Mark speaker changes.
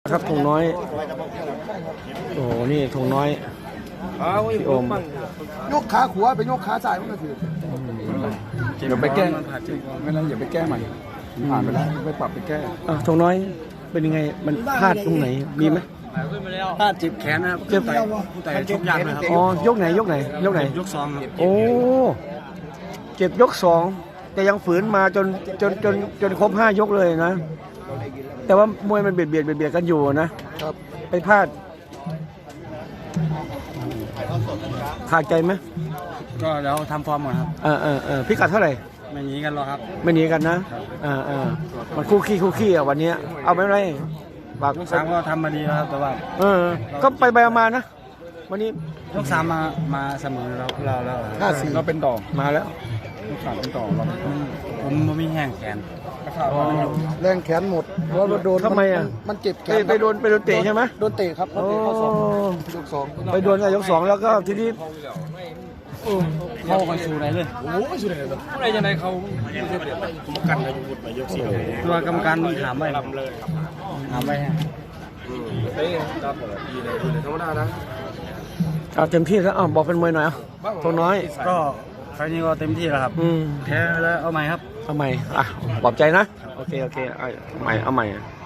Speaker 1: ครับธงน้อยโอ้โหนี่ธงน้อยพี่โอม
Speaker 2: ยกขาขวาไปยกขาซ้ายมันก็ถือ
Speaker 3: เดี๋ยวไปแก้ไม่ได้อย่าไปแก้ใหม่ผ่านไปแล้วไปปรับไปแก้
Speaker 1: ธงน้อยเป็นยังไงมันพลาดตรงไหนมีไหม
Speaker 3: ถ้าเจ็บแขนนะครับ
Speaker 1: เจ็บ
Speaker 3: แต่ชกยากนะครับ
Speaker 1: อ๋อยกไหนยกไหนยกไหน
Speaker 3: ยกสองครับ
Speaker 1: โอ้เจ็บยก2แต่ยังฝืนมาจนครบ5 ยกเลยนะ แต่ว่ามวยมันเบียดกันอยู่นะครับไปพลาดขาดใจไหม
Speaker 3: ก็แล้วทำฟอร์มหมดครับ
Speaker 1: พิกัดเท่าไหร่
Speaker 3: ไม่หนีกันหรอกครับ
Speaker 1: ไม่หนีกันนะมันคู่ขี้อ่ะวันนี้เอาไม่ไรฝาก
Speaker 3: ยกสามก็ทำมาดีแล้วครับแต่ว่า
Speaker 1: ก็ไปมานะวันนี้
Speaker 3: ยกสามมาเสมอเราแล้ว
Speaker 2: 5-4
Speaker 3: เราเป็นต่อ
Speaker 1: มาแล้ว
Speaker 3: ยกสามเป็นต่อเราผมไม่แห้งแขน
Speaker 2: แรงแขนหมดเพราะว่าโดน
Speaker 1: ทำไมอ่ะ
Speaker 2: มันเจ็บแขน
Speaker 1: ไปโดนเตะใช่ไหม
Speaker 2: โดนเตะครับโดนเตะเข้าศอกยกสอง
Speaker 1: ไปโดนกับยก 2แล้วก็ทีนี้
Speaker 3: เข้าไปสู่ไหนเลย
Speaker 4: อะไรยังไงเขากันไปยกสี่
Speaker 3: ตัวกรรมการถามไปถามไปฮะ
Speaker 4: เต้ครับดีเลยธรรมดานะ
Speaker 1: เอาเต็มที่แล้วบอกเป็นมวยหน่อยตัวน้อย
Speaker 3: ก็ไฟล์นี้ก็เต็มที่แล้วครับแพ้แล้วเอาใหม่ครับ
Speaker 1: เอาใหม่ปลอบใจนะโอเคเอาใหม่